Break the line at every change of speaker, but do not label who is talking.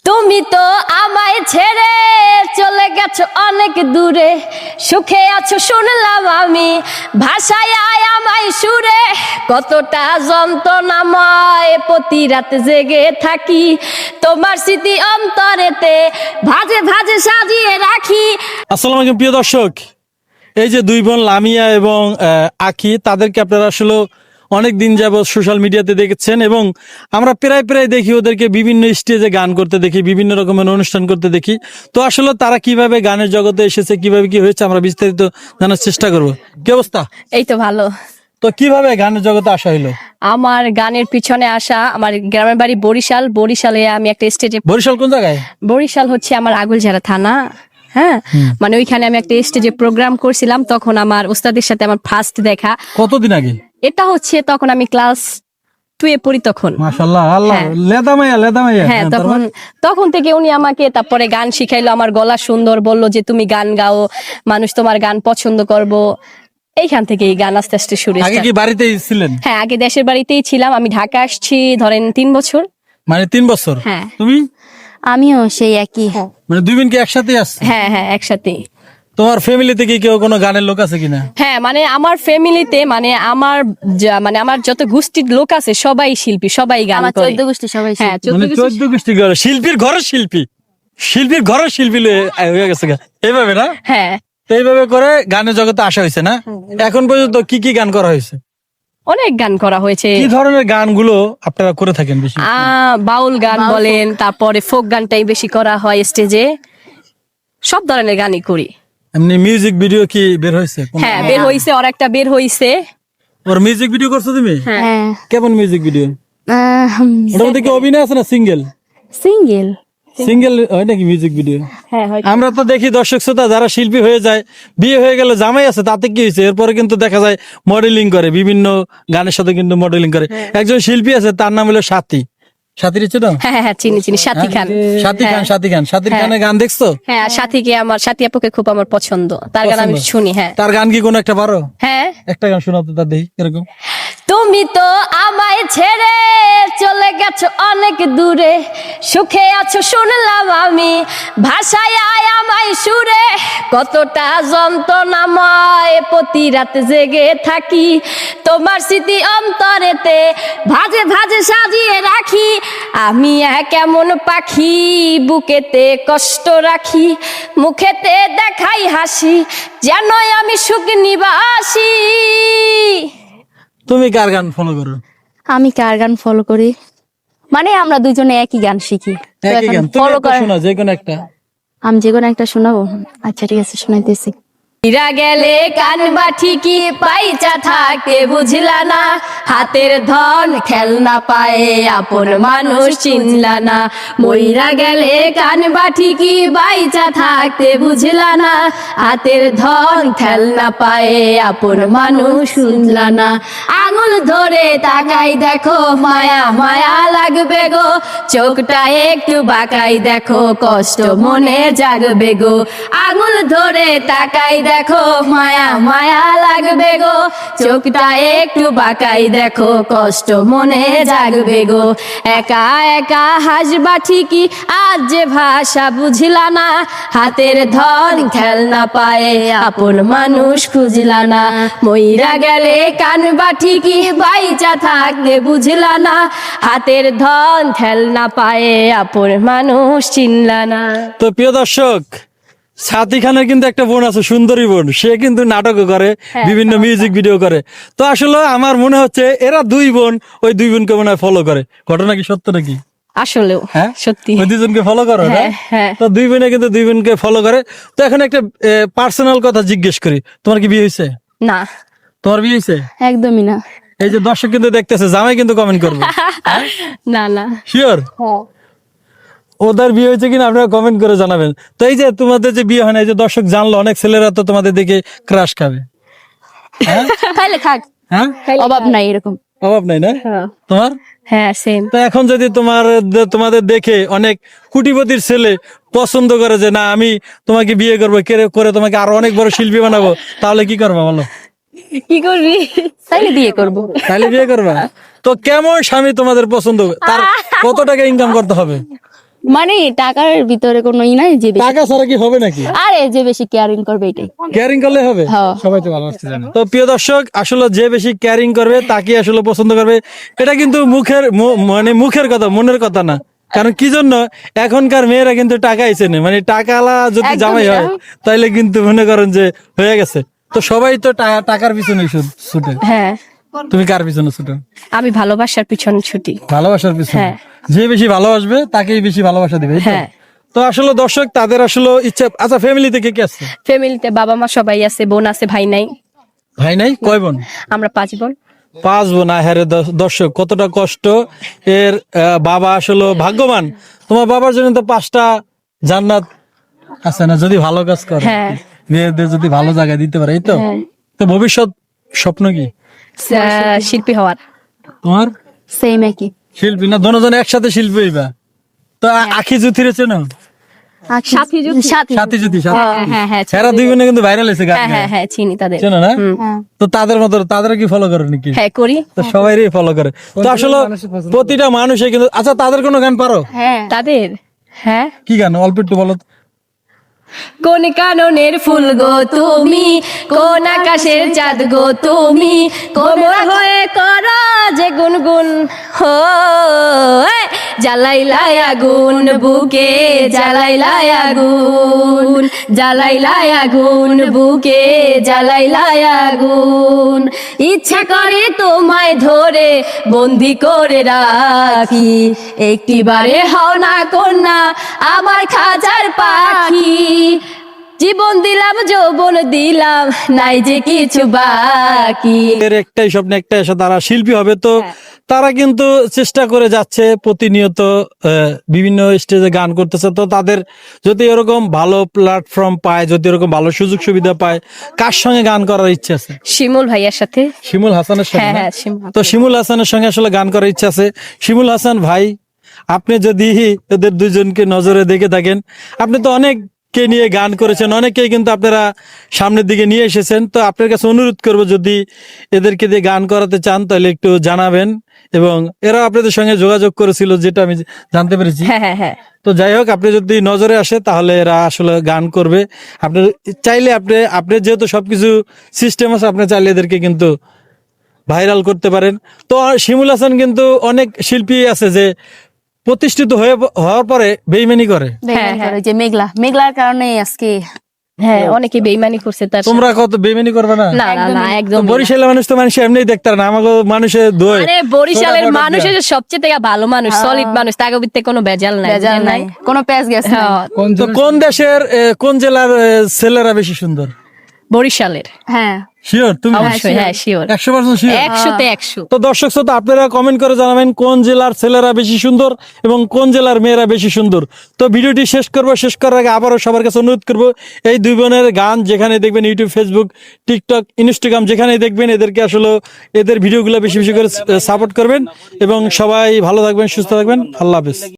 তুমি তো আমায় ছেড়ে চলে গেছো অনেক দূরে, সুখে আছো শুনলাম আমি, ভাষায় আয় আমায় সুরে, কতটা যন্ত্রণাময় প্রতি রাত জেগে থাকি, তোমার স্মৃতি অন্তরেতে ভাজে ভাজে সাজিয়ে রাখি।
আসসালামু আলাইকুম প্রিয় দর্শক, এই যে দুই বোন লামিয়া এবং আখি, তাদেরকে আপনারা আসলে অনেক দিন যাবত সোশ্যাল মিডিয়াতে দেখেছেন এবং আমরা প্রায় প্রায় দেখি ওদেরকে বিভিন্ন স্টেজে গান করতে দেখি, বিভিন্ন রকমের অনুষ্ঠান করতে দেখি। তো আসলে তারা কিভাবে গানের জগতে এসেছে, কিভাবে কি হয়েছে, আমরা বিস্তারিত জানার চেষ্টা করব। কি অবস্থা?
এই তো ভালো।
তো কিভাবে গানের জগতে আসা হইলো?
আমার গানের পিছনে আসা, আমার গ্রামের বাড়ি বরিশাল। বরিশালে আমি একটা স্টেজে,
বরিশাল কোন জায়গায়?
বরিশাল হচ্ছে আমার আগলঝাড়া থানা। হ্যাঁ, মানে ওইখানে আমি একটা স্টেজে প্রোগ্রাম করছিলাম, তখন আমার ওস্তাদের সাথে আমার ফার্স্ট দেখা।
কতদিন আগে?
এটা হচ্ছে তখন আমি ক্লাস 2 এ পড়ি তখন।
মাশাআল্লাহ, আল্লাহ,
হ্যাঁ।
লেদা মাইয়া।
হ্যাঁ, তখন থেকে উনি আমাকে তারপরে গান শিখাইলো, আমার গলা সুন্দর, বললো যে তুমি গান গাও, মানুষ তোমার গান পছন্দ করবো। এইখান থেকে এই গান আস্তে আস্তে শুরু।
আগে কি বাড়িতেই ছিলেন?
হ্যাঁ, আগে দেশের বাড়িতেই ছিলাম। আমি ঢাকা আসছি ধরেন 3 বছর।
মানে 3 বছর?
হ্যাঁ।
তুমি?
আমিও সেই একই।
মানে দুই বোন কি একসাথে আসছে?
হ্যাঁ হ্যাঁ, একসাথে।
তোমার ফ্যামিলিতে কি কেউ কোনো গানের লোক আছে কিনা?
হ্যাঁ, মানে আমার ফ্যামিলিতে, মানে আমার যত গোষ্ঠীর লোক আছে সবাই শিল্পী, সবাই গান
আমার
করে।
14 গোষ্ঠী সবাই
হ্যাঁ,
শিল্পী।
14 গোষ্ঠী করে শিল্পীর ঘরের শিল্পী, শিল্পীর ঘরের শিল্পী হয়ে গেছে গা। এইভাবে না?
হ্যাঁ,
তো এইভাবে করে গানের জগতে আসা হয়েছে না? এখন পর্যন্ত কি কি গান করা হয়েছে?
অনেক গান করা হয়েছে।
কি ধরনের গানগুলো আপনারা করে থাকেন বেশি?
বাউল গান বলেন, তারপরে ফোক গানটাই বেশি করা হয় স্টেজে। সব ধরনের গানই করি।
এমনি মিউজিক ভিডিও কি বের হয়েছে?
হ্যাঁ, বের হইছে, আর একটা বের হইছে।
ওর মিউজিক ভিডিও করছো তুমি?
হ্যাঁ।
কেমন মিউজিক ভিডিও? ওটার মধ্যে কি অভিনয় আছে না সিঙ্গেল?
সিঙ্গেল।
সিঙ্গেল হয় নাকি মিউজিক ভিডিও?
হ্যাঁ,
আমরা তো দেখি দর্শক শ্রোতা যারা শিল্পী হয়ে যায়, বিয়ে হয়ে গেলে জামাই আছে, তাতে কি হয়েছে, এরপরে কিন্তু দেখা যায় মডেলিং করে, বিভিন্ন গানের সাথে কিন্তু মডেলিং করে। একজন শিল্পী আছে, তার নাম হলো সাথী। সাথীর ইচ্ছে না?
হ্যাঁ হ্যাঁ, চিনি চিনি, সাথী খান।
সাথীর গানের গান দেখছো?
হ্যাঁ, সাথীকে আমার, সাথী আপুকে খুব আমার পছন্দ, তার গান আমি
পছন্দ?
শুনি। হ্যাঁ,
তার গান কি কোনো একটা পারো?
হ্যাঁ।
একটা গান শোনাতে তার দেখি এরকম।
তুমি তো আমায় ছেড়ে চলে গেছো অনেক দূরে, সুখে আছো শুনলাম আমি, ভাষায় আয় আমায় সুরে, কতটা যন্ত্রণাময় প্রতি রাত জেগে থাকি, তোমার স্মৃতি অন্তরেতে ভাজে ভাজে সাজিয়ে রাখি, আমি এক এমন পাখি বুকেতে কষ্ট রাখি, মুখেতে দেখাই হাসি, যেন আমি সুখ নিবাসী।
তুমি কার গান ফলো করো?
আমি কার গান ফলো করি মানে আমরা দুজনে একই গান শিখি। তো
একই
এখন
গান? তুমি
ফলো
একটা
করা,
শোনাও, যে কোনো একটা।
আমি যে কোনো একটা শোনাবো। আচ্ছা ঠিক আছে, শোনাইতেছি।
হীরা গেলে কান বাঠি কি পাইচা থাকতে বুঝলা না, হাতের ধন খেলনা পায়ে আপন মানুষ চিনলা না, মইরা গেলে কান বাঠি কি বাইচা থাকতে বুঝলা না, হাতের ধন খেলনা পায়ে আপন মানুষ শুনলা না, আঙুল ধরে তাকাই দেখো মায়া মায়া লাগবে গো, চোখটা একটু বাঁকাই দেখো কষ্ট মনে জাগবে গো, আঙুল ধরে তাকাই দেখো মায়া মায়া লাগবে গো, চোখটা একটু বাঁকাই দেখো কষ্ট মনে জাগবে গো, একা একা হাসবা ঠিকই আজ যে ভাষা বুঝলা না, হাতের ধন খেলনা পায়ে আপন মানুষ খুঁজলা না, মইরা গেলে কানবা ঠিকই বাইচা থাকলে বুঝলা না, হাতের ধন খেলনা পায়ে আপন মানুষ চিনলা না।
তো প্রিয় দর্শক, সাথী খানের কিন্তু একটা বোন আছে, সুন্দরী বোন, সে কিন্তু নাটকও করে, বিভিন্ন মিউজিক ভিডিও করে। তো আসলে আমার মনে হচ্ছে এরা দুই বোন ওই দুই বোনকে মনে হয় ফলো করে। ঘটনা কি সত্য নাকি?
আসলেও
হ্যাঁ,
সত্যি।
ওই দুজনকে ফলো করো না?
হ্যাঁ, হ্যাঁ।
তো দুই বোনে কিন্তু দুই বোনকে ফলো করে। তো এখন একটা পার্সোনাল কথা জিজ্ঞেস করি, তোমার কি বিয়ে হয়েছে?
না,
তোমার বিয়ে হয়েছে?
একদমই না।
এই যে দর্শক কিন্তু দেখতেছে, জামাই কিন্তু কমেন্ট করবে।
না না।
শিওর? ওদের বিয়ে হয়েছে কিনা আপনারা কমেন্ট করে জানাবেন। তো এই যে তোমাদের যে বিয়ে হয় না, এই যে দর্শক জানলো, অনেক ছেলেরা তো তোমাদের দেখে ক্রাশ খাবে। হ্যাঁ
খাইলে খাক,
হ্যাঁ,
অভাব নাই এরকম।
অভাব নাই না তোমার?
হ্যাঁ, সেম।
তো এখন যদি তোমাদের দেখে অনেক কোটিপতির ছেলে পছন্দ করে যে না আমি তোমাকে বিয়ে করবো, করে তোমাকে আরো অনেক বড় শিল্পী বানাবো, তাহলে কি করবা বলো?
কি করবি?
তাইলে বিয়ে করব।
তাহলে বিয়ে করবা? তো কেমন স্বামী তোমাদের পছন্দ, তার কত টাকা ইনকাম করতে হবে?
মানে টাকার ভিতরে কোনো ই নাই যে বেশি,
টাকা ছাড়া কি হবে নাকি?
আরে যে বেশি কেয়ারিং করবে এটাই।
কেয়ারিং করলে হবে?
হ্যাঁ।
সবাই তো ভালোবাসতে জানে। তো প্রিয় দর্শক, আসলে যে বেশি কেয়ারিং করবে তাকে আসলে পছন্দ করবে, এটা কিন্তু মানে মুখের কথা, মনের কথা না। কারণ কি জন্য এখনকার মেয়েরা কিন্তু টাকাই চেনে, মানে টাকালা যদি
একদম
জামাই হয় তাইলে কিন্তু মনে করেন যে হয়ে গেছে। তো সবাই তো টাকার পিছনে ছুটে,
হ্যাঁ,
তুমি কার পিছনে ছুটে?
আমি ভালোবাসার পিছনে ছুটি।
ভালোবাসার পিছনে।
হ্যাঁ।
যে বেশি ভালোবাসবে তাকেই বেশি ভালোবাসা দিবে, এই তো?
হ্যাঁ।
তো আসলে দর্শক তাদের আসলে ইচ্ছা। আচ্ছা, ফ্যামিলি থেকে কে আছে?
ফ্যামিলিতে বাবা মা সবাই আছে, বোন আছে, ভাই নাই।
ভাই নাই? কয় বোন?
আমরা 5 বোন।
5 বোন। হ্যাঁ দর্শক, কতটা কষ্ট এর। বাবা আসলে ভাগ্যবান, তোমার বাবার জন্য তো 5টা জান্নাত আছে না, যদি ভালো কাজ করে,
হ্যাঁ।
মেয়েদের যদি ভালো জায়গায় দিতে পারে, এই তো? তো ভবিষ্যৎ স্বপ্ন কি
শিল্পী হওয়ার।
তোমার?
সেম একই।
শিল্পী না, দুজন একসাথে শিল্পী হইবা। তো আখি জুথিরে চেনো?
সাথী
সাথী জুথি,
হ্যাঁ হ্যাঁ
এরা 2 বোনে কিন্তু ভাইরাল হয়েছে গান
হ্যাঁ
গায়ে।
হ্যাঁ হ্যাঁ চিনি তাদের।
চেনো না?
হ্যাঁ।
তো তাদের মতো তাদের কি ফলো করে নাকি?
হ্যাঁ করি।
তো সবাইরই ফলো করে। তো আসলে প্রতিটা মানুষে কিন্তু। আচ্ছা, তাদের কোনো গান পারো?
হ্যাঁ।
তাদের হ্যাঁ।
কি গান অল্প একটু বলো তো।
কোন কাননের ফুল গো তুমি, কোন আকাশের চাঁদ গো তুমি, কোমর হয়ে করা যে গুনগুন হো, জ্বালাইলাই আগুন বুকে, জ্বালাইলাই আগুন, জ্বালাইলাই আগুন বুকে, জ্বালাইলাই আগুন, ইচ্ছা করে তোমায় ধরে বন্দি করে রাখি, একটিবারে হও না কন্যা আমার খাঁচার পাখি, জীবন দিলাম যৌবন দিলাম নাই যে কিছু বাকি।
এর একটাই স্বপ্ন, একটাই আশা, তারা শিল্পী হবে। তো তারা কিন্তু চেষ্টা করে যাচ্ছে প্রতিনিয়ত, বিভিন্ন স্টেজে গান করতেছে। তো তাদের যদি এরকম ভালো প্ল্যাটফর্ম পায়, যদি এরকম ভালো সুযোগ সুবিধা পায়, কার সঙ্গে গান করার ইচ্ছা আছে?
শিমুল ভাইয়ার সাথে।
শিমুল হাসানের সঙ্গে
হ্যাঁ
না?
হ্যাঁ শিমুল।
তো শিমুল হাসানের সঙ্গে আসলে গান করার ইচ্ছা আছে। শিমুল হাসান ভাই, আপনি যদি এদের দুজনকে নজরে দেখে থাকেন, আপনি তো অনেককে নিয়ে গান করেছেন, অনেকেই কিন্তু আপনারা সামনের দিকে নিয়ে এসেছেন। তো আপনার কাছে অনুরোধ করব, যদি এদেরকে দিয়ে গান করাতে চান তাহলে একটু জানাবেন। এবং এরা আপনাদের সঙ্গে যোগাযোগ করেছিল, যেটা আমি জানতে পেরেছি।
হ্যাঁ হ্যাঁ হ্যাঁ।
তো যাই হোক, আপনি যদি নজরে আসে তাহলে এরা আসলে গান করবে। আপনি চাইলে আপনি যেহেতু সবকিছু সিস্টেম আছে, আপনি চাইলে এদেরকে কিন্তু ভাইরাল করতে পারেন। তো শিমুল হাসান কিন্তু অনেক শিল্পী আছে যে প্রতিষ্ঠিত হওয়ার পরে বেইমানি করে।
বেইমানি করে, যে মেঘলার কারণে আজকে।
হ্যাঁ অনেকে বেইমানি করছে তার সাথে।
তোমরা কত বেইমানি করবে না?
না না না একদম না।
বরিশালের মানুষ তো মানুষ এমনি দেখতে পারে না, আমাকে মানুষের দোয়।
আরে বরিশালের মানুষের সবচেয়ে থেকে ভালো মানুষ, সলিড মানুষ, তাকে ভিতরে কোনো ভেজাল নাই।
বেজাল নাই, কোনো প্যাচ গেছে না।
হ্যাঁ,
তো কোন দেশের কোন জেলার ছেলেরা বেশি সুন্দর?
বরিশালের।
হ্যাঁ।
শিওর তুমি?
অবশ্যই হ্যাঁ শিওর।
100% শিওর?
100-তে 100।
তো দর্শক শ্রোতা, আপনারা কমেন্ট করে জানাবেন কোন জেলার ছেলেরা বেশি সুন্দর এবং কোন জেলার মেয়েরা বেশি সুন্দর। তো ভিডিওটি শেষ করার আগে আবারও সবার কাছে অনুরোধ করব, এই 2 বোনের গান যেখানে দেখবেন, ইউটিউব, ফেসবুক, টিকটক, ইনস্টাগ্রাম যেখানেই দেখবেন, এদেরকে আসলে এদের ভিডিওগুলো বেশি বেশি করে সাপোর্ট করবেন। এবং সবাই ভালো থাকবেন, সুস্থ থাকবেন। আল্লাহ হাফেজ।